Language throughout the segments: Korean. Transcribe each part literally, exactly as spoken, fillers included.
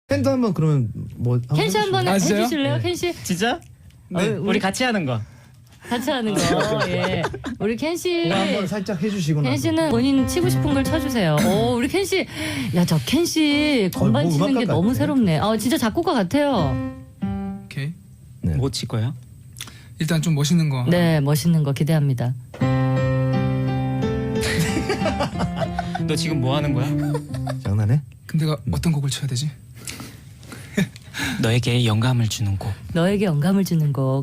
캔도 한번 그러면 뭐 켄 씨 한번 아, 진짜요? 해주실래요? 네. 켄 씨 진짜? 네. 어, 우리- 우리 같이 하는 거. 같이 하는 거. 예. 우리 켄 씨. 그거 한번 살짝 해주시고 켄 나서. 씨는 본인 치고 싶은 걸 쳐주세요. 오, 우리 켄 씨. 야, 저 켄 씨 건반 어, 뭐 치는 게 음악가 너무 같아. 새롭네. 아, 진짜 작곡가 같아요. 오케이. 네. 뭐 칠 거예요? 일단 좀 멋있는 거. 네, 멋있는 거 기대합니다. 너 지금 뭐 하는 거야? 장난해? 근데 내가 어떤 곡을 쳐야 되지? 너에게 영감을 주는 곡. 너에게 영감을 주는 곡.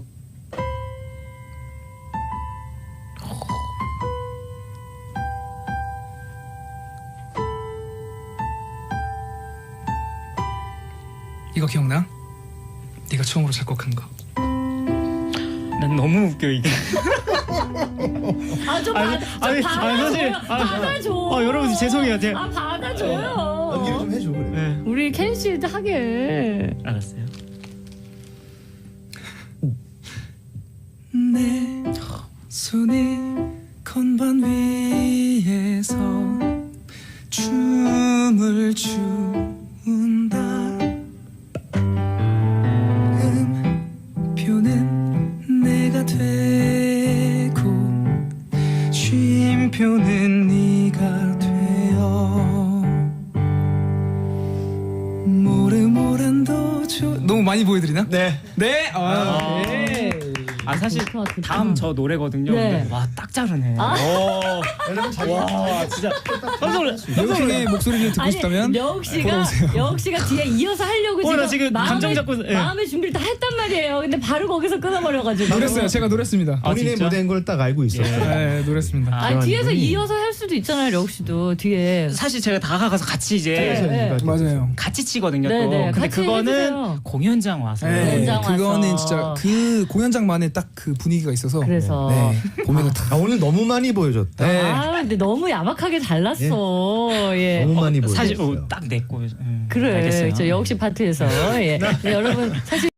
이거 기억나? 네가 처음으로 작곡한 거. 난 너무 웃겨 이게. 아, 좀 아니, 받아, 아니, 좀 아니, 사실, 받아줘요. 아, 받아줘. 아, 여러분 죄송해요. 제가. 아, 받아줘요. 연기를 좀 해줘 그래. 네. 우리 켄 씨 하게. 알았어요. 내 손이 건반 위에서 춤을 춘다. 음표는 내가 되고 쉼표는 네가 되어 모래모란 도조. 너무 많이 보여드리나? 네. 네. 아, 오케이. 아 사실 좋다, 좋다. 다음 저 노래거든요. 네. 근데 와 딱 자르네. 아. 오. 여러분 잘. 와 진짜 깜짝 놀랐. 여우킹의 목소리를 듣고 싶다면 여욱 씨가 보러 오세요. 여욱 씨가 뒤에 이어서 하려고 어, 지금, 나 지금 마음의, 감정 잡고, 예. 마음의 준비를 다 했단 말이에요. 근데 바로 거기서 끊어버려가지고. 노랬어요. 제가 노랬습니다. 아, 본인의 진짜? 무대인 걸 딱 알고 있었어요. 네, 노랬습니다. 아, 아, 뒤에서 분이- 이어서 할 수도 있잖아요, 여욱 씨도 뒤에. 사실 제가 다가가서 같이 이제 네, 네. 맞아요. 같이 치거든요. 네, 또. 네, 근데 같이 그거는 해주세요. 공연장 와서. 네, 공연장 와서. 그거는 진짜 그 공연장만의 딱 그 분위기가 있어서. 그래서. 네, 보면은 다. 아 오늘 너무 많이 보여줬다. 네. 아, 근데 너무 야박하게 잘났어. 예. 너무 많이 사실 보여줬어요. 어, 딱 내 거. 음, 그래, 알겠어요. 저 여욱 씨 파트에서. 예. 네, 여러분, 사실.